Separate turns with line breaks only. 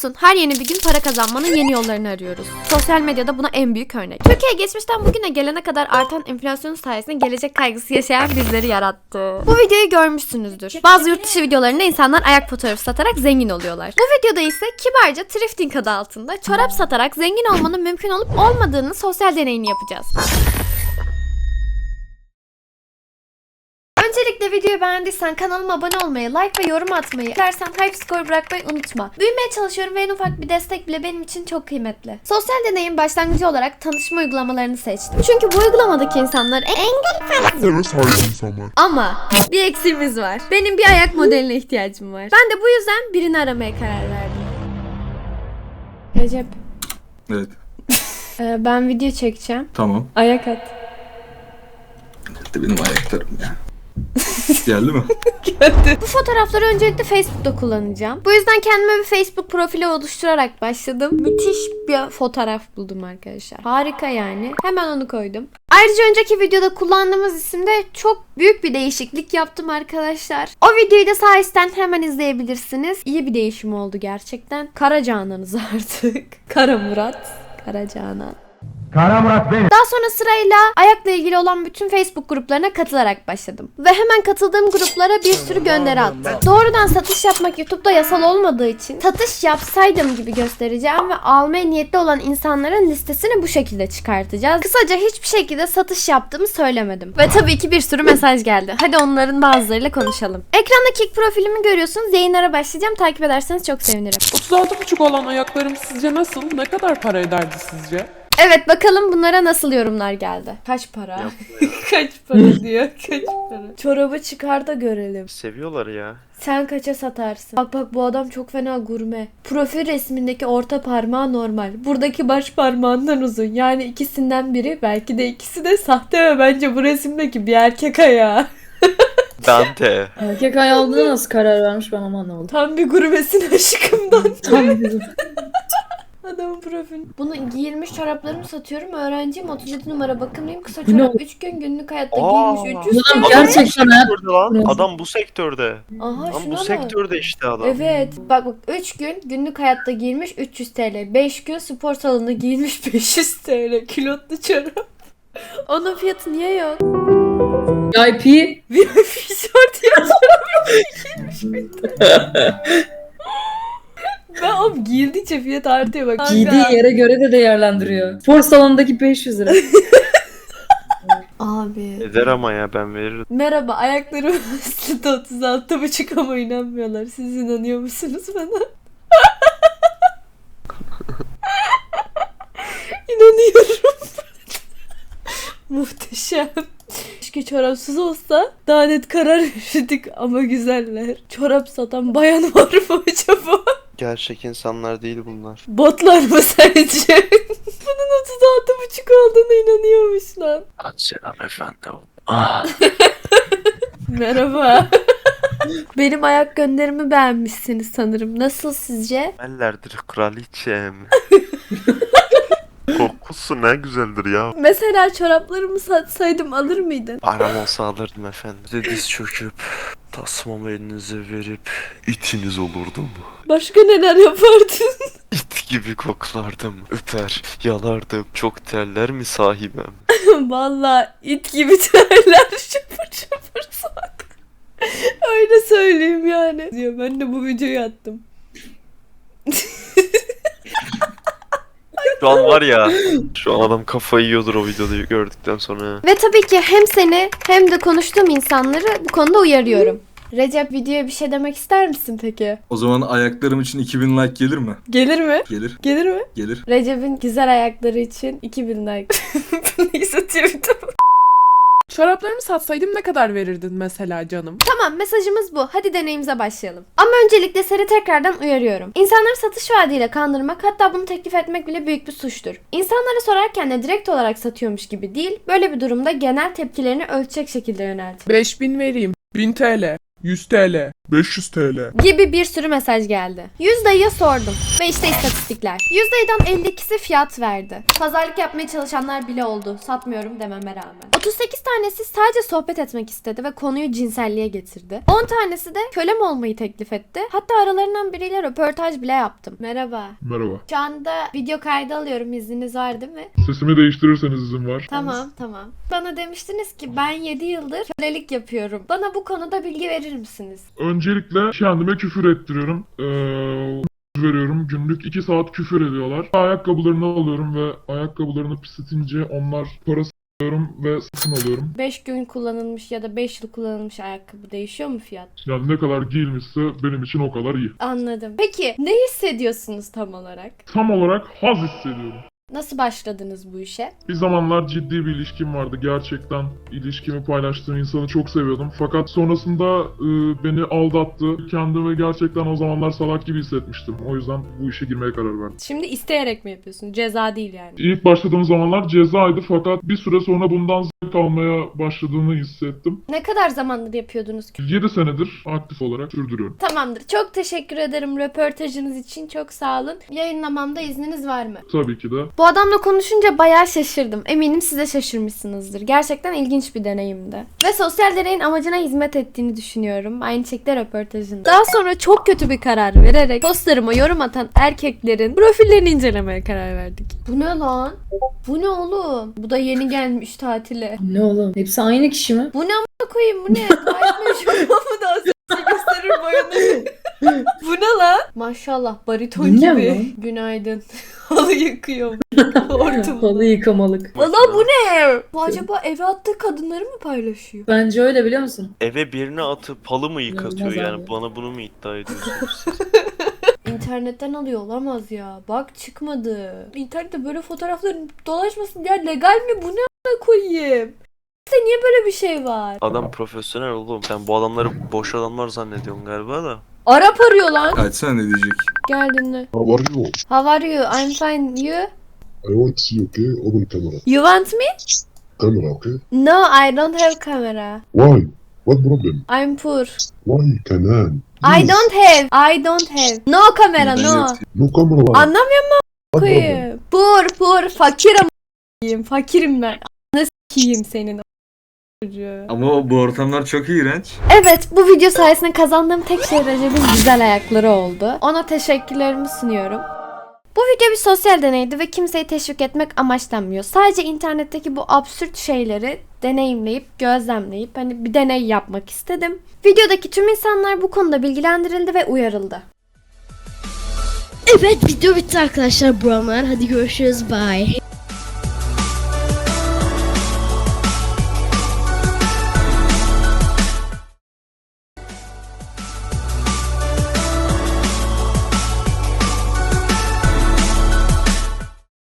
Biliyorsun her yeni bir gün para kazanmanın yeni yollarını arıyoruz. Sosyal medyada buna en büyük örnek. Türkiye geçmişten bugüne gelene kadar artan enflasyon sayesinde gelecek kaygısı yaşayan bizleri yarattı. Bu videoyu görmüşsünüzdür. Bazı yurt dışı videolarında insanlar ayak fotoğrafı satarak zengin oluyorlar. Bu videoda ise kibarca thrifting adı altında çorap satarak zengin olmanın mümkün olup olmadığını sosyal deneyini yapacağız. Öncelikle videoyu beğendiysen kanalıma abone olmayı, like ve yorum atmayı, dilersen hype score bırakmayı unutma. Büyümeye çalışıyorum ve en ufak bir destek bile benim için çok kıymetli. Sosyal deneyin başlangıcı olarak tanışma uygulamalarını seçtim. Çünkü bu uygulamadaki insanlar engel
insanlar.
ama bir eksiğimiz var. Benim bir ayak modeline ihtiyacım var. Ben de bu yüzden birini aramaya karar verdim. Recep,
Evet.
ben video çekeceğim.
Tamam.
Ayak at.
İşte benim ayaklarım ya. Geldi mi?
Bu fotoğrafları öncelikle Facebook'ta kullanacağım. Bu yüzden kendime bir Facebook profili oluşturarak başladım. Müthiş bir fotoğraf buldum arkadaşlar. Harika yani. Hemen onu koydum. Ayrıca önceki videoda kullandığımız isimde çok büyük bir değişiklik yaptım arkadaşlar. O videoyu da sağ üstten hemen izleyebilirsiniz. İyi bir değişim oldu gerçekten. Kara Canan'ız artık. Kara Murat. Kara Canan. Daha sonra sırayla ayakla ilgili olan bütün Facebook gruplarına katılarak başladım. Ve hemen katıldığım gruplara bir sürü gönderi attım. Doğrudan satış yapmak YouTube'da yasal olmadığı için satış yapsaydım gibi göstereceğim ve almaya niyetli olan insanların listesini bu şekilde çıkartacağız. Kısaca hiçbir şekilde satış yaptığımı söylemedim. Ve tabii ki bir sürü mesaj geldi. Hadi onların bazılarıyla konuşalım. Ekranda kick profilimi görüyorsunuz. Yayınlara başlayacağım. Takip ederseniz çok sevinirim.
36,5 olan ayaklarım sizce nasıl? Ne kadar para ederdi sizce?
Evet, bakalım bunlara nasıl yorumlar geldi. Kaç para? Kaç para diyor. Kaç para? Çorabı çıkar da görelim.
Seviyorlar ya.
Sen kaça satarsın? Bak bu adam çok fena gurme. Profil resmindeki orta parmağı normal. Buradaki baş parmağından uzun. Yani ikisinden biri, belki de ikisi de sahte ve bence bu resimdeki bir erkek ayağı.
Dante.
Erkek ayağı olduğuna nasıl karar vermiş ben ama anlamadım.
Tam bir gurmesin aşkımdan.
Tam bizim.
Adamın profili. Bunu giyilmiş çoraplarımı satıyorum. Öğrenciyim. 37 numara bakımlıyım. Kısa
Bu ne?
çorap 3 gün günlük hayatta
Aa.
giyilmiş 300
Adam
TL.
gerçekten hayat.
Sektörde lan. Adam bu sektörde.
Aha
Lan
şuna
bu
bak.
sektörde işte adam.
Evet. Bak 3 gün günlük hayatta giyilmiş 300 TL. 5 gün spor salonunda giyilmiş 500 TL. Kilotlu çorap. Onun fiyatı niye yok?
VIP.
VIP şort ya çorap giyilmiş miydi? Ben oğlum giyildikçe fiyat artıyor bak.
Giydiği yere göre de değerlendiriyor. Spor salonundaki 500 lira.
Abi.
Eder ama ya, ben veririm.
Merhaba, ayaklarım aslında 36,5 ama inanmıyorlar. Siz inanıyor musunuz bana? İnanıyorum. Muhteşem. Keşke çorapsız olsa daha net karar verirdik ama güzeller. Çorap satan bayan var mı acaba?
Gerçek insanlar değil bunlar.
Botlar mı sence? Bunun 36,5 olduğuna inanıyormuş lan.
Selam efendim. Ah.
Merhaba. Benim ayak gönderimi beğenmişsiniz sanırım. Nasıl sizce?
Mellerdir kraliçem. Kokusu ne güzeldir ya.
Mesela çoraplarımı satsaydım alır mıydın?
Param olsa alırdım efendim. Size diz çöküp tasmamı elinize verip itiniz olurdum.
Başka neler yapardın?
İt gibi koklardım. Öper, yalardım. Çok terler mi sahibem?
Vallahi it gibi terler şıpır şıpır sok. Öyle söyleyeyim yani. Diyor, ben de bu videoyu attım.
Şu an var ya. Şu an adam kafayı yiyordur o videoyu gördükten sonra.
Ve tabii ki hem seni hem de konuştuğum insanları bu konuda uyarıyorum. Recep, videoya bir şey demek ister misin peki?
O zaman ayaklarım için 2000 like gelir mi?
Gelir mi?
Gelir.
Gelir mi?
Gelir.
Recep'in güzel ayakları için 2000 like. Neyse Twitter'da.
Çoraplarımı satsaydım ne kadar verirdin mesela canım?
Tamam, mesajımız bu. Hadi deneyimize başlayalım. Ama öncelikle seni tekrardan uyarıyorum. İnsanları satış vaadiyle kandırmak, hatta bunu teklif etmek bile büyük bir suçtur. İnsanlara sorarken de direkt olarak satıyormuş gibi değil, böyle bir durumda genel tepkilerini ölçecek şekilde yönelt.
5000 vereyim. 1000 TL. 100 TL.
500 TL.
Gibi bir sürü mesaj geldi. 100 dayıya sordum ve işte istatistikler. 100 dayıdan 52'si fiyat verdi. Pazarlık yapmaya çalışanlar bile oldu. Satmıyorum dememe rağmen. 38 tanesi sadece sohbet etmek istedi ve konuyu cinselliğe getirdi. 10 tanesi de kölem olmayı teklif etti. Hatta aralarından biriyle röportaj bile yaptım. Merhaba.
Merhaba.
Şu anda video kaydı alıyorum. İzniniz var değil mi?
Sesimi değiştirirseniz izin var.
Tamam. Bana demiştiniz ki ben 7 yıldır kölelik yapıyorum. Bana bu konuda bilgi verir misiniz?
Öncelikle kendime küfür ettiriyorum. Veriyorum. Günlük 2 saat küfür ediyorlar. Ayakkabılarını alıyorum ve ayakkabılarını pisletince onlar parası alıyorum ve satın alıyorum.
5 gün kullanılmış ya da 5 yıl kullanılmış ayakkabı değişiyor mu fiyat?
Yani ne kadar giyilmişse benim için o kadar iyi.
Anladım. Peki ne hissediyorsunuz tam olarak?
Tam olarak haz hissediyorum.
Nasıl başladınız bu işe?
Bir zamanlar ciddi bir ilişkim vardı. Gerçekten ilişkimi paylaştığım insanı çok seviyordum. Fakat sonrasında beni aldattı. Kendimi gerçekten o zamanlar salak gibi hissetmiştim. O yüzden bu işe girmeye karar verdim.
Şimdi isteyerek mi yapıyorsun? Ceza değil yani.
İlk başladığım zamanlar cezaydı fakat bir süre sonra bundan zevk almaya başladığını hissettim.
Ne kadar zamandır yapıyordunuz?
7 senedir aktif olarak sürdürüyorum.
Tamamdır. Çok teşekkür ederim röportajınız için. Çok sağ olun. Yayınlamamda izniniz var mı?
Tabii ki de.
Bu adamla konuşunca bayağı şaşırdım. Eminim siz de şaşırmışsınızdır. Gerçekten ilginç bir deneyimdi. Ve sosyal deneyin amacına hizmet ettiğini düşünüyorum. Aynı şekilde röportajında. Daha sonra çok kötü bir karar vererek postlarıma yorum atan erkeklerin profillerini incelemeye karar verdik. Bu ne lan? Bu ne oğlum? Bu da yeni gelmiş tatile.
Ne oğlum? Hepsi aynı kişi mi?
Bu ne a**a koyayım, bu ne? Gayet meşhur mu da gösterir boyanı. Bu ne lan? Maşallah bariton
Bu ne
gibi.
lan?
Günaydın. Halı yıkıyor. Hortum.
Halı yıkamalık.
Valla bu ne? Bu acaba eve attığı kadınları mı paylaşıyor?
Bence öyle biliyor musun?
Eve birini atıp halı mı yıkatıyor
İnanılmaz
yani?
abi.
Bana bunu mu iddia ediyorsunuz siz?
İnternetten alıyor olamaz ya. Bak çıkmadı. İnternette böyle fotoğrafların dolaşmasın diye legal mi? Bu ne a**a koyayım? İşte niye böyle bir şey var?
Adam profesyonel oğlum. Sen bu adamları boş adamlar zannediyorsun galiba da.
Arap arıyor lan.
Açsana ne diyecek?
Geldin mi?
How are you?
How are you? I'm fine. You?
I want to see you, okay? Open camera.
You want me?
Camera, okay?
No, I don't have camera.
Why? What problem?
I'm poor.
Why, Canan?
I don't have. I don't have. No camera,
Ben
no.
yatayım.
No camera.
Anlamıyor musun?
What problem?
Koyayım. Poor. Fakirim a**ayım. Fakirim ben. Nasıl s**eyim senin çocuğu.
Ama bu ortamlar çok iğrenç.
Evet, bu video sayesinde kazandığım tek şey Recep'in güzel ayakları oldu. Ona teşekkürlerimi sunuyorum. Bu video bir sosyal deneydi ve kimseyi teşvik etmek amaçlanmıyor. Sadece internetteki bu absürt şeyleri deneyimleyip, gözlemleyip hani bir deney yapmak istedim. Videodaki tüm insanlar bu konuda bilgilendirildi ve uyarıldı.
Evet, video bitti arkadaşlar, buramlar. Hadi görüşürüz, bye.